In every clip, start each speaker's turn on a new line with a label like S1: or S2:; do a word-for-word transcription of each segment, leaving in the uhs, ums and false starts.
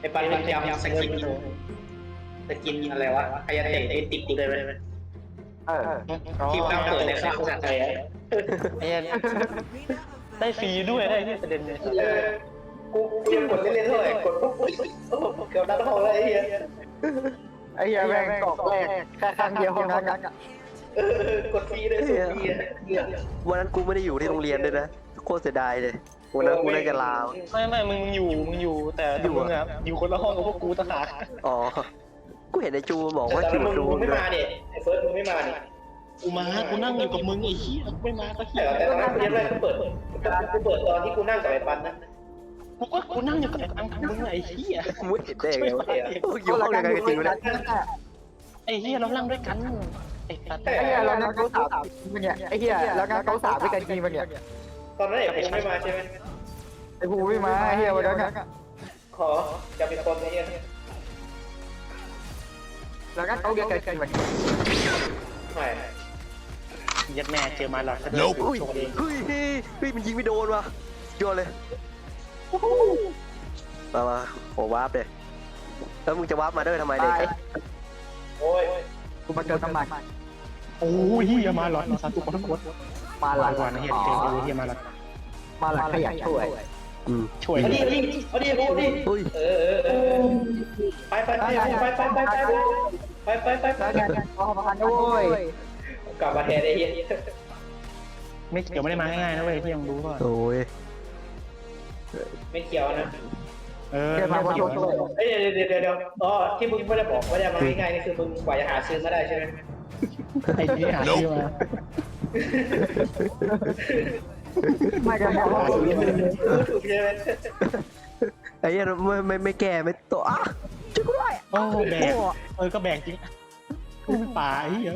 S1: อ้ปันมันจำสกินสกินอะไรวะไอ้ยันเตะไอ้ติดกูเลยไหม
S2: เออ
S1: ที่เราเปิดในข้าวสัตว์เลย
S3: ไอ้ได้ฟรีด้วยได้ที่ประเด็นเลย
S1: เออกูกูยังกดเล่นๆเท่าไหร่กดปุ๊บเกือบดันทองเลยไอ้เหี้ย
S2: ไอ้เหี้ยแม่งกรอบแรกแค่ครั้งเดียวเท่านั้น
S1: เออกดฟรีเลยสุดฟรีอ่ะ
S4: วันนั้นกูไม่ได้อยู่ที่โรงเรียนด้วยนะโคตรเสียดายเลยวันนั้นกูได้จะลา
S3: ไม่ไม่มึงอยู่มึงอยู่แต่มึงอะอยู่คนละห้องกับพวกกูต่างหาก
S4: อ๋อกูเห็นไอ้จูบอกว่า
S1: แต่
S4: จู
S1: มึง
S4: จู
S1: ไม่มาเนี่ยไอ้เฟิร์สมึงไม่มาเนี่ย
S3: กูมากูนั่งอยู่กับมึงไอ้เหี้ยไม่มาก็เหี้
S1: แต่
S3: ย
S1: แต่ตอนนั้นกูยังไม่กูเปิดกูเปิดตอนที่กูนั่งกับไอ้ปันนะ
S3: กูก็กูนั่งอยู่กับไอ้ตังมึงไอ้เหี้ย
S4: มึงเห็นได้ไงวะอยู่ห้องเดียวกันจริงๆเลย
S3: ไอ้เหี้ยเรานั่งด้วยกันไอ้ตัด
S2: ไอ้เหี้ยแล้วงั้นเขาสามมันเนี่ยไอ้เหี้ยแล้วงั้นเขาสามด้วยกันจริงมันเนี่ย
S1: ตอนนั้นไอ้ภูไม่มาใช่ไหม
S2: ไอ้ภูไม่มาไอ้เหี้ยวันนั้นอะ
S1: ขอจะเป็นคนไอ้เหี้ย
S2: แล้วงั้นเขาเรียกกันจริงมัน
S1: ไม่
S3: ยัดแม่เจอมาหลอดก็โดน
S4: เฮ้ยเฮ้ยเฮ้ยมันยิงไม่โดนว่ะโยนเลยมามาโอ้วาร์ปเลยแล้วมึงจะวาร์ปมาด้วยทำไมเด็ก
S1: โอ้ย
S2: กูมาเจอสมัคร
S3: โอ้ยเหี้ยมาหลอดมาสัตว์ทุกคนทั้งหมด
S2: มาหลัง
S3: ก่อนนะเหี้ยเจอกูเหี้ยมาหลอด
S2: มาหลังขยันช่วย
S4: อืม
S3: ช่วย
S1: เอาดิเอาดิเอาดิภูดิ
S4: เฮ้ย
S1: เออเออเออไปไปไปไปไปไปไปไปไปไปไป
S2: แล้วงั้นเขาพันด้วย
S1: กลับมาแทนไอ้เหี้ย
S3: ไม่เกี่ยวไม่ได้มาง่ายๆนะเว้ยที่ยังรู้ว่า
S4: โอ้ย
S1: ไม่เกี่ยวนะ
S3: เออ
S2: เดี๋ยวมา
S3: ไม่
S2: คน
S3: เกี่ยว
S2: ช่วย
S1: เอ้ยเดี๋ยวเดี๋ยวเดี๋ยวอ๋อที่มึงไม่ได้บอกว่าจะมาง่ายๆนี่คือมึงกว่าจะหาซื้อมาได้ใช่ไหม
S3: ไอ้เหี้ยหาที่มา
S2: ไม่กันแล้ว
S1: ถูกใช่ไหม
S4: ไอ้เหี้ยไม่ไม่ไม่แก่ไม่โตอ่ะช่วยกูด้วย
S3: โอ้แบกเออก็แบกจริงป่าไอ้เหี้ย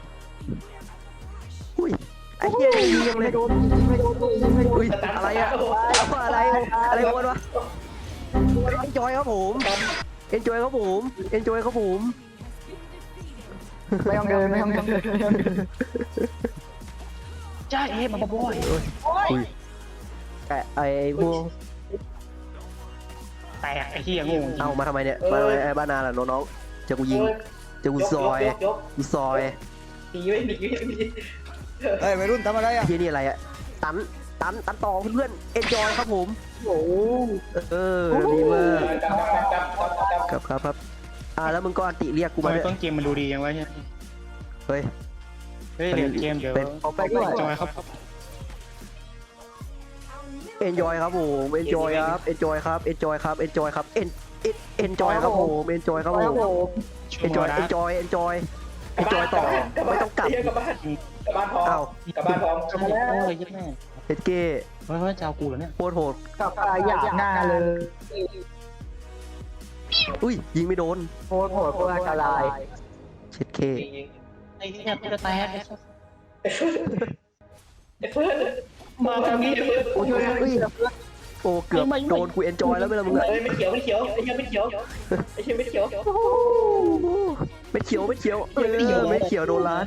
S4: อุ้ยไอ้เหี้ยยิงยังเลย
S2: ไม่โดนไม่โดนไม่โดน
S4: อุ้ยอะไรอะอะไรอะไรวะวะเอ็นจอยครับผมเอ็นจอยครับผมเอ็นจอยครับผม
S2: ไม่ต้องเดินไม่ต้องเดิน
S3: จ้าเอ๊ะมาบ่อย
S4: อุ้ยแกไอ้พวก
S3: แตกไอ้เหี้ยงง
S4: เอามาทำไมเนี่ยมาทำไมไอ้บ้านนาล่ะน้องๆจะกูยิงจะกูซอยกูซอย
S1: หนีไม่หนีไม่หนี
S2: เฮ้ยวัยรุ่นทำอะไรอ่ะ
S4: ที่นี่อะไรอะตันตันตันต่อเพื่อนเอ็นจอยครับผม
S2: โอ้โห
S4: เออดีมาก
S1: กลับกลับกลับกลับกลับ
S4: ครับครับครับอ่าแล้วมึงก็อันติเรียกกู
S3: ทำ
S4: มา
S3: ไม
S4: ด้วย
S3: ต้นเกมมันดูดียังวะเนี่ย
S4: เฮ้ย
S3: เฮ้ยเดี๋ยวเกมเดี๋ยว
S2: เอาไปด้วย
S3: จอยครับ
S4: เอ็นจอยครับผมเอ็นจอยครับเอ็นจอยครับเอ็นจอยครับเอ็นจอยครับเอ็นเอ็นจอยครับผมเอ็นจอยครับผมเอ็นจอยเอ็นจอยเอ็นจอยเอ็นจอยต่อไม่ต้องกลับ
S1: กลับบ้านกลับบ้านพร้อ
S4: อ้าว
S1: มกลับบ้านพร้อม
S3: โอ้ยยัดแม่
S4: เอ็ดเก้
S3: เฮ้ยเฮ้ยเจ้ากูเหรอเนี่ย
S4: โคตรโหด
S2: กับปลาหยาบหน้าเลย
S4: อุ้ยยิงไม่โดน
S2: โคตรโหดโคตรอันตราย
S4: เช็ดเค
S3: ไอ้เนี่ยกูจะแตก
S1: ไอ้เฟิร์สมาทางนี้เฟิร์ส
S2: โอ้ย
S4: อุ้ยโอ้เกือบโดนกูเอ็นจอยแล้วไม่ละมึงอะ
S1: เอ้ยไม่เขียวไม่เขียวไอ้เหี้ยไม่เขียวไอ้เหี้ยไม่เขียว
S4: ไม่เขียวไม่เขียวเออไม่เขียวโดนล้าน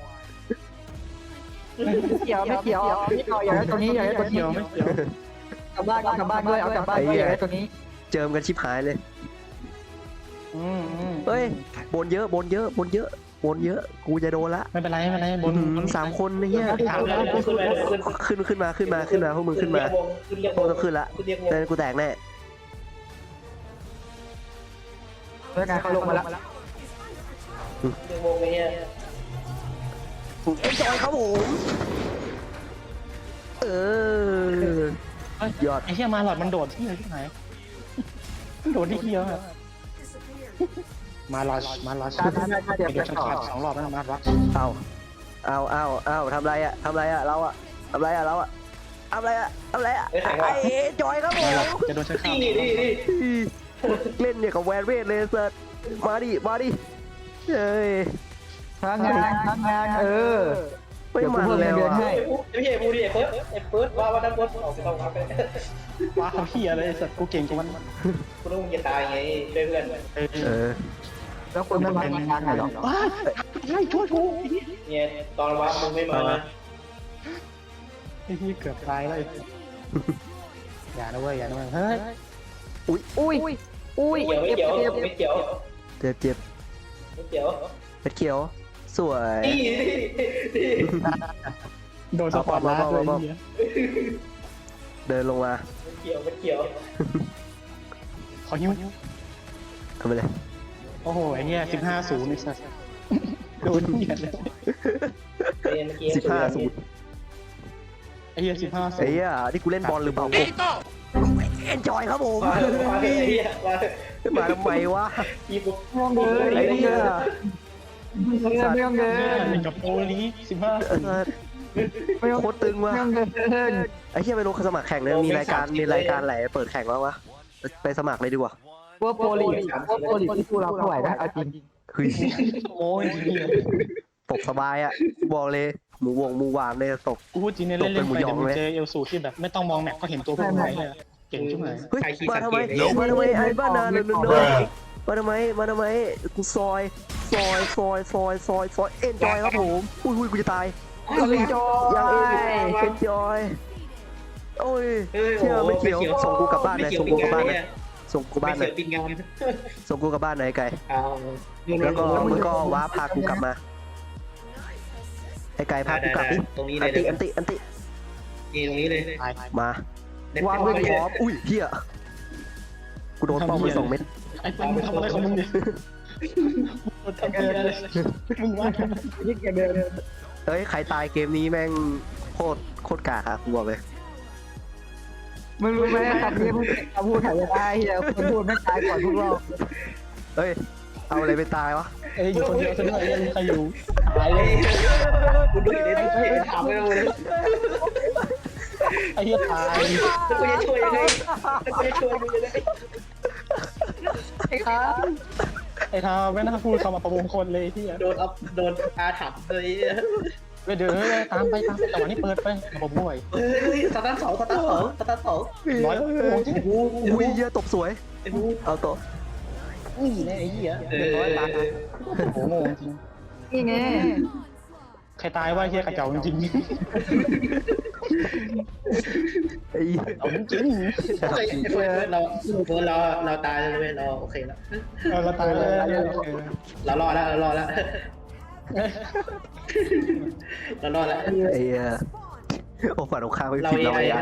S2: ไม่เกี่ยวไม่เกี่ยวนี่เอาอย่างนี้ตัวนี้อย่างนี้ตัวนี้
S3: เกี่ยวไม่เกี่ยว
S2: กลับบ้านกลับบ้านด้วยเอากลับบ้านด้วยอย่างนี้ตัวนี้
S4: เจิมกันชิบหายเลย
S3: อืมอืม
S4: เฮ้ยบนเยอะบนเยอะบนเยอะบนเยอะกูจะโดนละ
S3: ไม่เป็นไรไม่เป็นไรบน
S4: อื้อหือสามคนไอ้เหี้ย
S1: ถามเลยขึ้นไปขึ้น
S4: ขึ้นขึ้นมาขึ้นมาขึ้นมาพวกมึงขึ้นมา
S1: ขึ้นเรียก
S4: พวกต้องขึ้นละ
S1: ขึ้นเรียกวง
S4: แต่กูแตกแน่
S2: เมื่อไงเขาลงมาแล้ว
S1: เรียกวงไอ้เหี้ย
S4: เอ็นจอยครับผมเออยอด
S3: ไอ้เหี้ยมาหลอดมันโดดที่ไหนที่ไหนโดดที่เหี้ยมาหลอดมาหลอด
S2: การทำงานเดี๋ยว
S3: เดี๋ยว
S2: จะ
S3: ฉัน
S2: ต่อ
S3: ขาดสองรอบแล้วมาหลอด
S4: เอาเอาเอาเอาทำไรอะทำไรอะเราอะทำไรอะเราอะทำไรอะทำไรอะไอ้จอยครับผม
S3: มาหลอดจะโดนฉันขาด
S1: นี่นี่นี่
S4: เล่นเนี่ยกับแวนเวทเลยเซิร์ชมาดิมาดิเฮ้ย
S2: ทำงานทำงานเออ
S4: ไม่มันแล้วอะ
S1: ไอ้ผู้ไอ้พี่ไอ้ผู้ดิไอ้เฟิร์สไอ้เฟิร์สว่าว่าทั้งหมดออกไปต้องมาไป
S3: ว้าเขาเหี้ยเลยสัตว์กูเก่งกว่ามัน
S1: กูต้องจะตายไงช่วยเพื่อน
S4: เออ
S2: แล้วคุณไม่มาทำงานหรอ
S3: ว้าใช่ช่วยกู
S1: เนี่ยตอนว่ามึงไม่มานะ
S3: ไอ้ที่เกือบตายเลยอย่านะเว้ยอย่านะเว้ยเฮ้ย
S4: อุ้ยอุ้ย
S2: อุ้ย
S1: ไม่เกี่ยวไม่เกี่ยวไม่เกี่ยว
S4: เจ็บเจ็บ
S1: ไม่เกี่ยว
S4: เม็ดเขียว สวย
S1: นี่นี่นี่
S3: โดนสปอร์ตไลท์เลยเหี้ย
S4: เดินลงมา
S1: ไม่เกี่ยวไม่เกี่ยว
S3: ขอหิ้ว
S4: ทำไปเลย
S3: โอ้โหไอ้เนี่ยสิบห้าศูนย์ไอ้สัสโดนเหี้ยเลย
S1: เมื่อกี้
S4: สิบห้าศูนย์
S3: ไอ้เหี้ยสิบห้าศู
S4: ไอ้
S3: นย์
S4: เหี้ยนี่กูเล่นบอลหรือเปล่ากูเอ็นจอยครับผม
S1: มามาไอ้เหี้ยมา
S4: มาทำไมวะ
S1: อีบุ๊ก
S2: ไม่ต้องเดิน
S4: ไอ้เหี้ย
S2: ไม่ต้องเดิน
S3: เล่นกับโอลีสิบห้า
S4: เออโคตรตึงว่ะ
S2: ไม่ต้องเดิน
S4: ไอ้เหี้ยไม่รู้เขาสมัครแข่งเนี่ยมีรายการมีรายการไหนเปิดแข่งบ้างวะไปสมัครเลยดีกว่า
S2: ว่าโปรลีว่าโปรลีที่กูรับเท่าไหร่นะเอาจริง
S4: เฮ้ย
S3: โอ้ยเหี้ย
S4: ตกสบายอ่ะบอกเลยหมูวงหมูหวานเลยตก
S3: กูพูดจริงเนี่ยเล่นเล่นไปเดี๋ยวมึงเจอเอลสูที่แบบไม่ต้องมองแมปก็เห็นตัวพวกมึงไหนเลยเก่งจุ๊บไหน
S4: เฮ้ยมาทำไมมาทำไมไอ้บ้านาเนนมาทำไมมาทำไมกูซอยซอยซอยซอยซอยซอยเอ็นจอยครับผมอุ้ยอุ้ยกูจะตาย
S2: เอ็นจอย
S4: ยังเอ็นเอ็นจอยโอ้ยเชื่อไม่เกี่ยวส่งกูกลับบ้านหน่อยส่งกูกลับบ้านหน่อยส่งกู
S1: ไม่
S4: บ้านหน่
S1: เกี่
S4: อย
S1: ยวปิงงาน
S4: ส่งกูกลับบ้านหน่อยไก่
S1: เอา
S4: แล้วก็มึงก็ว้าพากูกลับมาไอ้ไก่พากูกลับดิ
S1: ตรงนี้เล
S4: อั
S1: ย
S4: นติอันติอันติ
S1: นี่ตรงนี้เลย
S3: ตาย
S4: มา วางไว้พร้อมอุ้ยเฮียกูโดนป้อมไปสองเม็ด
S3: ไอ้ปังมึงทำอะไรของมึงเนี่ยมึงทำอะไรมึงว่า
S2: ยิ่งเดิน
S4: เฮ้ยใครตายเกมนี้แม่งโคตรโคตรกากอะกูบอกเลย
S2: มึงรู้ไหมคำนี้พูดคำพูดถ่ายได้เฮียคนพูดไม่ตายก่อนพวกเรา
S4: เฮ้ยเอาอะไรไปตายวะ
S3: เอ้ยอยู่คนเดียวซะด้วยยังใครอยู่ตายเลย
S1: กูดูอยู่ในที่ถามไม่รู้เลย
S3: ไอ้เหี้ยตาย
S1: แล้วกูจะช่วยยังไงแล้วกูจะช่วยมึงยังไง
S2: ไอ้ครับ
S3: ไอ้ทาไม่น่าพูดคำมาประมงคนเลยที่
S1: โดนอัพโดนอาถรรพ์เลย
S3: เดี๋ยวตามไปตามไปจังหวะนี้เปิดไประบบห่วย
S1: เฮ้ยสตาร์ทสองสตาร์ทสองสตาร์ทสอง
S3: ร้อยโอ้โหจริง
S4: อุ้ยเหี้ยตบสวย
S1: ไอ้บู
S4: เอาต่อ
S3: นี่แน่ไอ้เหี้ย
S1: เอ
S3: เรียบร้อย
S1: อ
S3: ตายโอ้โหงงจริง
S2: นี่ไง
S3: ใครตายว่าเหี้ยกระเจ้าจริง
S4: ไอ้
S3: เอาจริง
S1: โอเคเฟิร์สเราเฟิร์สเราเราตายเลยเราโอเคแล้ว
S3: เออเราตายเลย
S1: เรารอดแล้วเรารอดแล้วเรารอดแล้ว
S4: ไอ้เหี้ยโอ้ฝันของข้าไม่ผิดเราไอ้ไอ้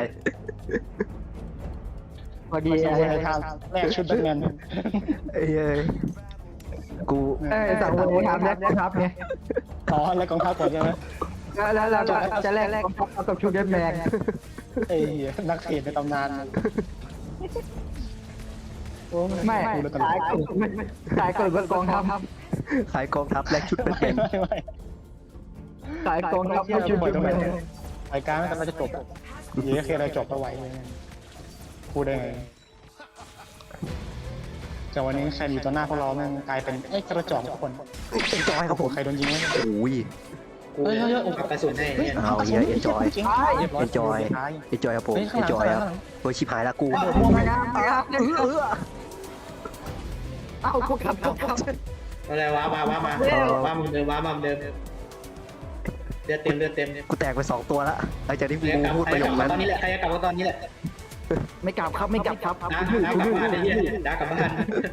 S2: พอดี
S3: ดี
S2: ไอ้
S3: ไอ้ทางแรกชุดแบทแมน
S4: ไอ้เหี้ยกู
S2: เอ้สั่งวันนี้ทำแรกครับเนี่ย
S3: อ๋อแล้วกองทัพก่อนใช่ไหม
S2: แล้วแล้วเราจะแลกแลกกับชุดเดนแมน
S3: ไอ้นักเทรดในตำนาน
S2: ไม่สายกดสายกดบนกองทัพ
S4: ขายกองทัพแลกชุดเป็น
S3: ไม่ไม่ไม่
S2: สายกองทัพชุดเดนแมน
S3: รายการมันกำลังจะจบเดี๋ยวเคลียร์อะไรจบเอาไว้พูดได้ไงแต่วันนี้ใครมีตัวหน้าพวกเราแม่งกลายเป็นไอ้กระจอกทุกคน
S4: เอ็นจอยครับผม
S3: ใครโดนยิงวะ
S4: โอ้ย
S1: กูกับกระสุนให้เนี่ย
S4: เอาเหี้ยเอ็นจอย
S3: เรียบร้อย
S4: เอ็นจอยเอ็นจอยครับผม
S3: เฮ้ยข้าง
S4: เอ็
S3: ห
S4: น
S3: ลัง
S4: จอยครับ
S3: ข้างหลัง
S4: โอ้ยชิบหายละกู
S2: ไม่นะเออเอาพวกขับพวกขับ
S1: อะไรว้ามาว้ามาว้ามันเดิมว้ามันเดิมเลือดเต็มเลือดเต็ม
S4: กูแตกไปสองตัวละหลังจากที่กู
S1: ใครจะกลับ
S4: พูด
S1: ใคร
S4: ประโย
S1: จะ
S4: ค
S1: กลับ
S4: นั้น
S1: ตอนนี้แหละใครจะกลับตอนนี้แหละ
S2: ไม่กลับครับไม่กลับครับ
S1: น้าน้ากลับบ้านไอ้เหี้ยน้ากลับบ้าน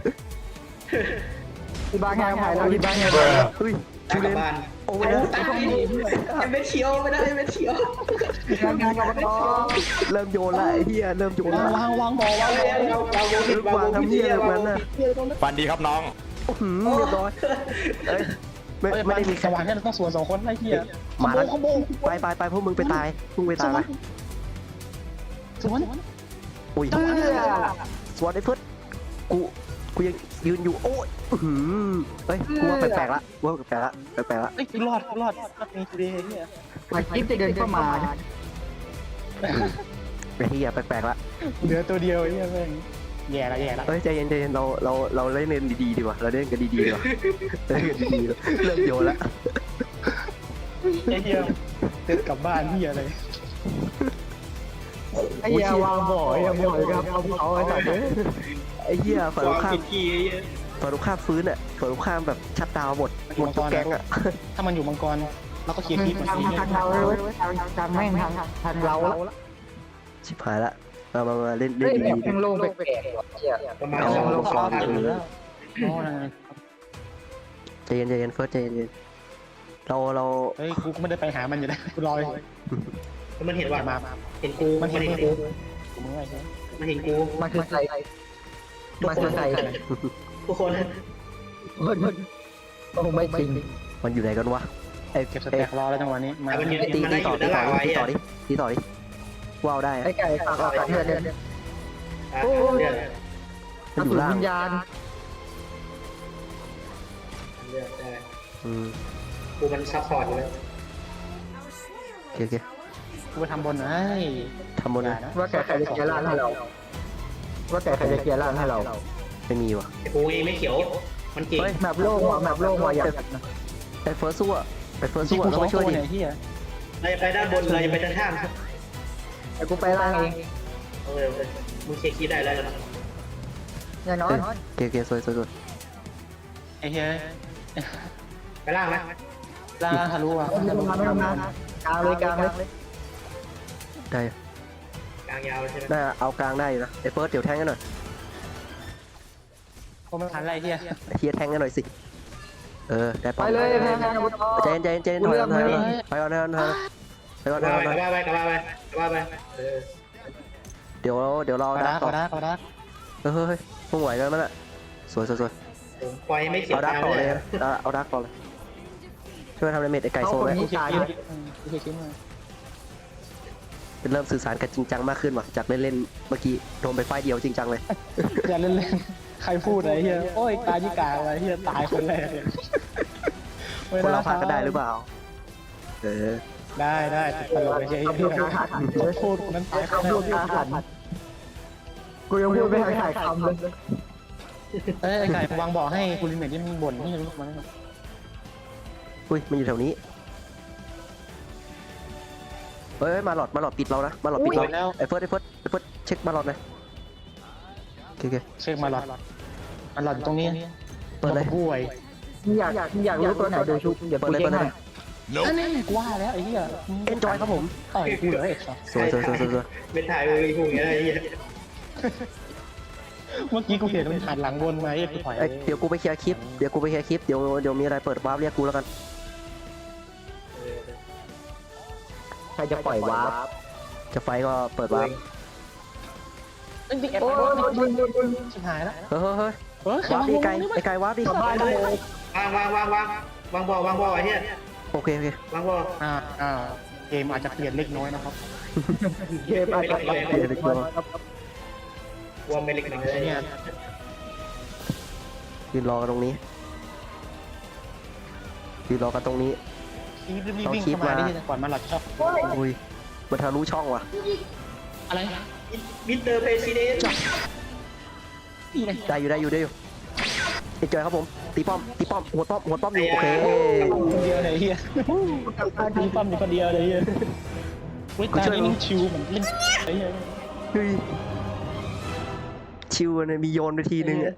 S2: ที่บ้านงานถ่ายแล้วที่บ้านงาน
S4: เฮ้ย
S1: น้า
S4: ชู
S1: ก
S4: เล
S1: ลับ
S4: น
S1: บ้าน
S4: โอ้
S1: โอ้
S4: ย
S1: ยตายยังไม่เชียวไม่ได้ไม่เชียว
S2: งานงานกับน้อง
S4: เริ่มโยนละไอ้เหี้ยเริ่มโยนละ
S3: วางวางบอวาง
S1: เราเราเรา
S4: ลูกวางทำเหี้ยแบบนั้นน่ะ
S5: ฟันดีครับน้อง
S4: หืมเรียบร้อยเอ้ยไม่ไม่ได้มี
S3: ส
S4: แค่
S3: ว่างแค่ต้องสวนสองคนไอ้เหี้ย
S4: มาแล้ว
S3: ขโมย
S4: ไปไปไปพวกมึงไปตายพวกมึงไปตายไป
S3: สวน
S4: อุ้ย
S2: เพื่อ
S4: สวัสดีเพื่อนกูกูยังยืนอยู่โอ้ยหืมเฮ้ยกูว่าแปลกๆละกูว่าแปลกๆละแปลกๆละ
S3: ไอ้รอดรอดรอดมีทีเดียวเนี่ย
S2: มากิ๊บจะเดินเข้ามา
S4: ไอ้เหี้ยแปลกๆละ
S3: เหลือตัวเดียวไอ้เหี้ยแม่งแย่ละแย่ละ
S4: เฮ้ยใจเย็นใจเย็นเราเราเราเล่นกันดีๆดีกว่าเราเล่นกันดีๆดีกว่าเล่นกันดีๆเริ่มโยนละ
S3: ไอ้เหี้ยเดินกลับบ้านเหี้ยเลย
S2: ไอ้ยาวางบ่อยยาบ่อยครับเอาเขาไอ้สัตว์
S4: ไอ้เหี้ยฝั่งตรงข้าม
S1: ผิดกี่
S4: ฝั่งตรงข้ามฟื้นอ่ะฝั่งตรงข้ามแบบชัดดาวหมดหมดทุกแก๊งอ่ะ
S3: ถ้ามันอยู่มังกรเราก็เคลียร์คลิปมัน
S2: ทาง
S3: เอง
S2: ทางเราเลยทางทางแม่งทางทางเรา
S4: ชิบหายละมามามาเล่น
S2: เฮ้
S4: เล่
S2: ย
S4: น
S2: แบบ
S4: ดี
S2: แม่งโล่งแปลกๆว่ะเหี้ย
S1: ประมาณ
S3: เอา
S1: สอง
S3: ลง
S1: ส
S3: ค
S1: อ
S3: อง
S1: พัน
S3: อยู่แล้วโอ้ย
S4: ๆใจเย็นใจเย็นเฟิร์สใจเย็นๆเราเรา
S3: เฮ้ยกูก็ไม่ได้ไปหามันอยู่แล้วกูรออยู่
S1: มันเห็นว่า
S3: มา
S1: เห็นกูมันเห็นกู
S3: กูมึงไงใช่
S1: มันเห็นกู
S2: มันคือใครมันคือใคร
S1: ทุกคน
S2: มันมันโอ้ไม่จริง
S4: มันอยู่ไหนกันวะไอ้
S3: เก็บส
S4: ไอ้
S3: แต็กรอแล้วจังหวะนี้มา
S1: มันอยู่
S4: ตี
S1: มัน
S4: ตี
S1: ได้อ
S4: ต่อยู่ ตี
S1: ด้าน
S4: ต่
S1: ล่า
S4: อง
S1: ไว้
S4: ตีต่อดิตีต่อดิว้าวได้
S2: ไอ้ไก่ฝากออกจากเพื่อนเนี่ย
S1: เลือด
S4: มันอยู่ล่าง
S2: วิญญาณ
S1: เลือดได้
S4: อืม
S1: กูมันซัพพอร์ตอยู่แล้ว
S4: โอเคโอเค
S3: กูไปทำบนนะ
S4: ทำบนเลย
S2: ว่าแกใครจะเคลียร์ร้านให้เรา ว่าแกใครจะเคลียร์ร้านให้เรา
S4: ไม่มีวะ
S1: กูเองไม่เขียวมันเก่ง
S2: แมปโล่งว่ะแมปโล่งว่ะอยาก
S4: ไอ้เฟิร์สสู้อะไอ้เฟิร์ส
S3: ที่
S4: สู้
S3: กู
S4: อะเรา
S3: สอง
S4: ไม่ช่
S3: ตัว
S4: วยดิ
S3: เนี่ยที่อ่ะ
S1: เราจะไปด้านบนเราจะไปด้านข้าง
S2: ไอ้กูไปล่างเอง
S1: เอาเลยมึงเช็คคีย์ได้แล้วนะ
S2: อย่างน้อย
S4: โอเคโอเคสวยสวยสวย
S3: ไอ้เฮ้ย
S1: ไปล่างนะ
S3: ล่างทะลุอ่ะ
S2: ไม่ต้องมาไม่ต้องมากลางเลยกลางเลย
S4: ได้
S1: กลางยาวใช่ไหม
S4: ได้เอากลางได้อยู่นะไอ้เฟิร์สเดี๋ยวแทงกันหน่อย
S3: กูไม่ทันไรที่อ่ะ
S4: ไอ้เฮียแทงกันหน่อยสิเออได้
S2: ไป
S4: ปะ
S2: เลยแพงอาวุธ
S4: ใจเย็นใจเย็นใจเย็นถอยก่อนถอยก่อนถอยก่อนถอยก่อนถอยก่อนถอยก่อนถอยก่อนถอยก่อน
S1: กลับไปกลับไปกลับไปกลับไปเออ
S4: เดี๋ยวเดี๋ยวเรา
S3: กระ
S4: ดั
S3: ดาก ก
S4: ต่อ
S3: ระดากกระดาก
S4: เฮ้ยเฮ้ยมึงไหวกันมั้ยน่ะสวยสวยสวย
S1: ปล่อยไม่เขียว
S4: เอาดัก
S1: ตาม
S4: ต่อ
S1: เล
S4: เลย ยนะเอาดักต่อเลยช่วยทำดาเมจไอ้ไก่โซ่ไว้
S3: กูเช็คชิ้นกูเช็คชิ้นมา
S4: เป็นเริ่มสื่อสารกันจริงจังมากขึ้นว่ะจากเล่นเล่นเมื่อกี้โดนไปไฟเดียวจริงจังเลย
S3: อย่าเล่นเล่นใครพูดอะไรเฮียโอ้ยตายที่กลางอะไรเฮียตายคนแรกเลย
S4: คนเราพลาดกันได้หรือเปล่าเออ
S3: ได้ได้ตลกเฉย
S2: ทำดูการหัน
S3: ๆพูดคนนั้นตายคน
S2: ทำ
S3: แร
S2: ดู
S3: ก
S2: การหันกูยังพูดไม่ทันถ่ายคำเลย
S3: เอ้ยไอ้ไก่วางบ่อให้กูลิเมทที่มันบ่นที่รู้มัน
S4: อุ้ยมันอยู่แถวนี้เฮ้ยมาหลอดมาหลอดปิดเรานะมาหลอดปิดเรา
S3: แล้ว
S4: ไอ้เฟิร์สไอ้เฟิร์สไอ้เฟิร์สเช็คมาหลอดหน่อยโอเคโอเค
S3: เช็คมาหลอดมันหลอดตรงนี้
S4: เปิดเลย
S3: ป่วย
S2: อยากอยากรู้ตัวไหนดูชุบเดี๋ยว
S4: เปิ
S2: กู
S4: ดเลย
S2: เช็
S4: เปิ
S2: ค
S4: ดเล
S2: ให้
S4: ย
S3: อันนี้กูว่าแล้วไอ้เหี้ย
S4: เอนจอยครับผม
S3: ต่อยกูเลยไอ้สัส
S4: สวยสวยสวยสวยสวย
S1: เป็นถ่ายมือพวกนี้อะไรเงี้ย
S3: เมื่อกี้กูเห็นมันผ่านหลังวนมาไอ้กูถอย
S4: เอ้ยเดี๋ยวกูไปเคลียร์คลิปเดี๋ยวกูไปเคลียร์คลิปเดี๋ยวเดี๋ยวมีอะไรเปิดวาร์ปเรียกกูแล้วกัน
S2: ใครจะปล่อยวาร์ป
S4: จะไฟก็เปิดวาร์ป
S3: เอ้ยแอบ
S2: โอ้
S3: ไป
S2: ย
S3: วะ
S2: มึงมึงมึง
S3: ชิบหายแล้ว
S4: เฮ้ยเฮ้ยเฮ้ย
S3: เฮ้ยว
S4: าร์ปดิไกลไอ้ไกลวาร์ปดิ
S2: สบายเลยว
S1: างวางวางวางวางบอลวางบอลไอ้เหี้ย
S4: โอเคโอเคว
S1: างบอล
S3: อ่าอ่าเกมอาจจะเปลี่ยนเล็กน้อยนะครับ
S2: เกมอาจจะ
S4: เดี๋ยวเดี๋ยวเดี๋ยว
S1: วอร์มเมลิกหนึ่งเล
S3: ไอ้
S1: ย
S3: เนี่ย
S4: ยืนรอกันตรงนี้ยืนรอกันตรงนี้
S3: รีบรีบวิ่งเข้ามาดิก่อนมาหลอดชอบ
S4: อุ้ยมันทะลุช่องว่ะ
S3: อะไร
S1: มิสเตอร์เพรสิเดนต์
S3: นี่ไง
S4: ได้อยู่ได้อยู่ได้อยู่เอนจอยครับผมตีป้อมตีป้อมหัวป้อมหัวป้อมอยู่โอเค
S3: คนเดียวเลยเฮียมีปั๊มอยู่คนเดียวเลยเฮียเว้ยตานี่นิ่งชิวเหมือนเล่นไอ้เฮีย
S4: เฮ้ยชิวเนี่ยมีโยนไปทีนึงอะ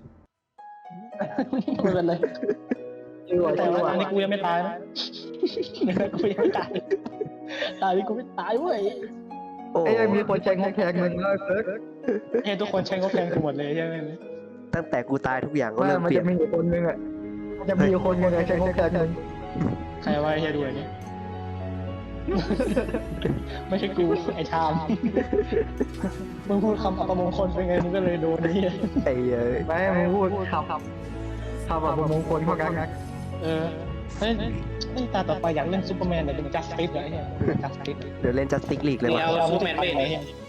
S3: ไม่เป็นไร
S2: ชื่อว่า
S3: แต่
S2: ชื่อ
S3: ว่า
S2: ว่า
S3: อันนี้กูยังไม่ตายนะกูยังไม่ตายตายนี่กูไม่ตายเว้ย
S4: โอ้
S2: ไอ้ยังมีคนแชงแทงมึงเลยเฟิร์ส
S3: เฮ้ยทุกคนใช้เขาแทงกูหมดเลยใช่ไหม
S4: ตั้งแต่กูตายทุกอย่างก็
S2: ว่า
S4: เริ่ม
S2: มัน
S4: เปลี่ย
S2: จะ
S4: น
S2: มีอยู่คนนึงอ่ะมันจะมีอยู่คนนึงอะแชงแทงมึง
S3: ใครว่าเฮียดูอันนี้ไม่ใช่กูไอ้ชามมึงพูดคำอัปมงคลเป็นไงมึงก็เลยโดนนี่
S4: ไอ้เอ้ย
S2: ไม่มึงพูดคำคำคำแบบมงคลเข้ากันนะ
S3: เออเฮ้ยนี่ตาต่อไปอยากเล่นซูเปอร์แมนแต่เป็นจัสติสเหรอไอ้เหี้ยจัสติส
S4: เดี๋ยวเล่นจัสติกลีกเลย
S1: นี่
S4: ว่ะ
S1: เอา
S3: เรา
S1: ซู
S3: พูด
S1: เปอร์แมน
S3: ไป
S1: เว้ย
S3: ไหน